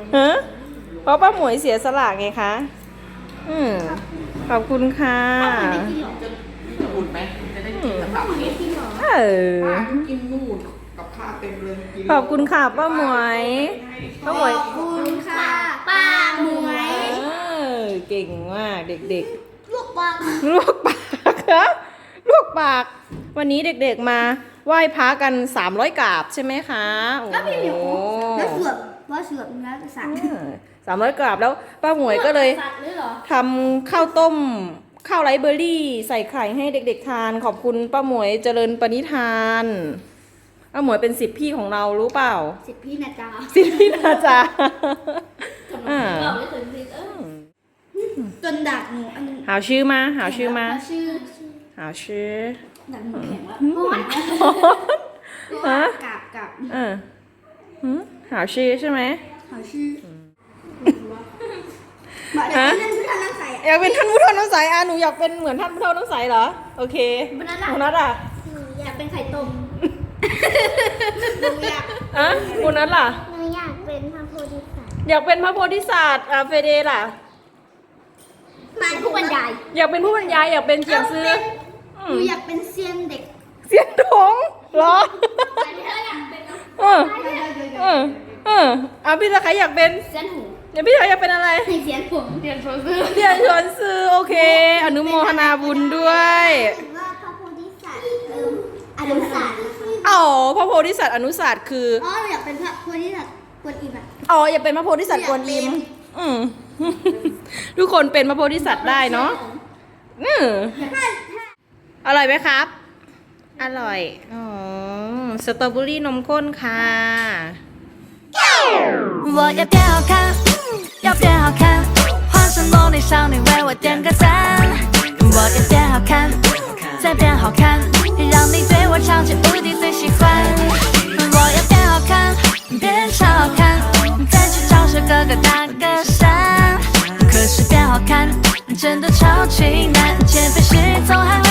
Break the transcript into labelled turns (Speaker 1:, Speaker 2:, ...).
Speaker 1: ฮะเพราะป้าหมวยเสียสละไงคะขอบคุณค่ะ
Speaker 2: จะอุ่นไหมจะได้กินกับข้าวนี้ กินนู่นกับข้าวเต็มเลยกิน
Speaker 1: ขอบคุณค่ะป้าหมวยป้าหมวย
Speaker 3: ขอบคุณค่ะป้าหมวย
Speaker 1: เก่งมากเด็ก
Speaker 3: ลูกปลา
Speaker 1: ๆลวกปากครับลวกปาก วันนี้เด็กๆมาไหว้พระกัน300 กราบใช่ไหมคะโอ้
Speaker 3: แล้วพี่หมิว
Speaker 1: โห
Speaker 3: แล้วเสือกว่าเสือกแล้วสัตว์
Speaker 1: 300 กราบแล้วป้าหมวยก็เลย
Speaker 3: สัตว์เลยเหรอ
Speaker 1: ทำข้าวต้มข้าวไรซ์เบอร์รี่ใส่ไข่ให้เด็กๆทานขอบคุณป้าหมวยเจริญปณิธานป้าหมวยเป็น10 พี่ของเรารู้เปล่า
Speaker 3: สิบพี่นะจ๊ะ
Speaker 1: 10 พี่นะจ๊ะอ่า
Speaker 3: จนดักหนูอัน
Speaker 1: หาชื่อมาหาชื่อมา
Speaker 3: ชื่อ
Speaker 1: หาชื่อ
Speaker 3: ดักหนูแข็งแล้วฮะกับ
Speaker 1: หาชื่อใช่ไหม
Speaker 3: เขาชื่อมาเดี๋ยวนั่นคือทางน้ำใส
Speaker 1: อยากเป็นท่านผู้เฒ่าน้ำใสหนูอยากเป็นเหมือนท่านผู้เฒ่าน้ำใสเหรอโอเค
Speaker 3: วันนั้น
Speaker 1: คุณนัทอ่ะ
Speaker 3: อยากเป็นไข่ต้มอยาก
Speaker 1: คุณนัทล่ะ
Speaker 3: หนูอยากเป็นพระโพธิสัตว์
Speaker 1: อยากเป็นพระโพธิสัตว์เฟเดล่ะ
Speaker 3: มาผู้บรรยาย
Speaker 1: อยากเป็นผู้บรรยายอยากเป็นเจียงซื้อ
Speaker 3: หนูอยากเป็นเซียนเด็ก
Speaker 1: เสียงถงเหรอพี่ตะไคร้อยากเป็น
Speaker 3: เซียนหู
Speaker 1: เดี๋ยวพี่ตะไคร้อยากเป็นอะไร
Speaker 3: เซียนผมเซียนโชซื้อ
Speaker 1: เรียนชวนซื้อโอเค อนุโมทนาบุญด้วย
Speaker 3: ว่าพระโพธิสัตว์อนุศาสตร์
Speaker 1: อ๋อพระโพธิสัตว์อนุศาสตร์คือ
Speaker 3: อ๋ออยากเป็นพระโพธิสัตว์กวนอิมอ่ะ
Speaker 1: อ๋ออย่าเป็นพระโพธิสัตว์กวนอิมทุกคนเป็นพระโพธิสัตว์ได้เนาะอร่อยไหมครับ อร่อยอ๋อสตรอเบอรี่นมข้นค่ะ
Speaker 4: 我要变好看，要变好看，化身萝莉少女为我点个赞。我要变好看，再变好看，让你对我超级无敌最喜欢。我要变好看，变超好看，再去找小哥哥打个伞。可是变好看真的超级难，减肥是总还。